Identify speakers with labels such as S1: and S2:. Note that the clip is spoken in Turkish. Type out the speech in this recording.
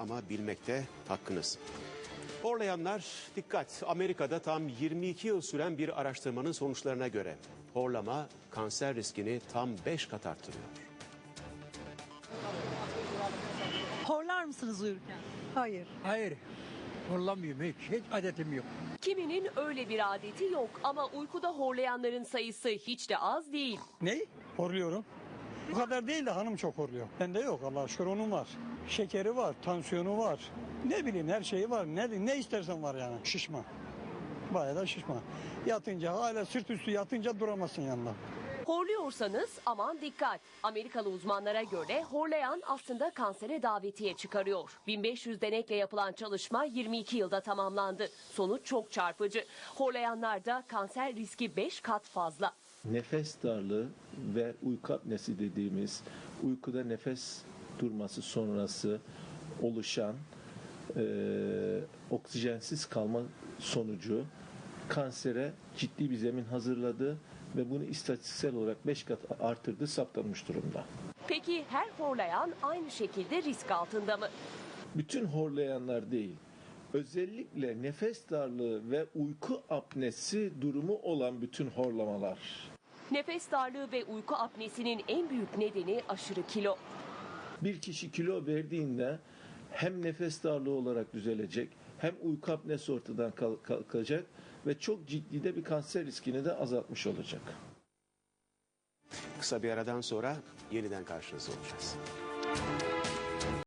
S1: ama bilmekte hakkınız. Horlayanlar dikkat. Amerika'da tam 22 yıl süren bir araştırmanın sonuçlarına göre horlama kanser riskini tam 5 kat arttırıyor.
S2: Horlar mısınız uyurken?
S3: Hayır.
S4: Hayır, horlamıyorum hiç adetim yok.
S5: Kiminin öyle bir adeti yok ama uykuda horlayanların sayısı hiç de az değil.
S6: Ne? Horluyorum. Bu kadar değil de hanım çok horluyor. Bende yok Allah'a şükür, onun var. Şekeri var, tansiyonu var. Ne bileyim her şeyi var. Ne istersen var yani. Şişman. Bayağı da şişman. Yatınca hala sırt üstü yatınca duramazsın yanında.
S5: Horluyorsanız aman dikkat. Amerikalı uzmanlara göre horlayan aslında kansere davetiye çıkarıyor. 1500 denekle yapılan çalışma 22 yılda tamamlandı. Sonuç çok çarpıcı. Horlayanlarda kanser riski 5 kat fazla.
S7: Nefes darlığı ve uyku apnesi dediğimiz uykuda nefes durması sonrası oluşan oksijensiz kalma sonucu kansere ciddi bir zemin hazırladı ve bunu istatistiksel olarak 5 kat artırdığı saptanmış durumda.
S5: Peki her horlayan aynı şekilde risk altında mı?
S7: Bütün horlayanlar değil, özellikle nefes darlığı ve uyku apnesi durumu olan bütün horlamalar.
S5: Nefes darlığı ve uyku apnesinin en büyük nedeni aşırı kilo.
S7: Bir kişi kilo verdiğinde hem nefes darlığı olarak düzelecek, hem uyku apnesi ortadan kalkacak ve çok ciddi de bir kanser riskini de azaltmış olacak.
S1: Kısa bir aradan sonra yeniden karşınızda olacağız.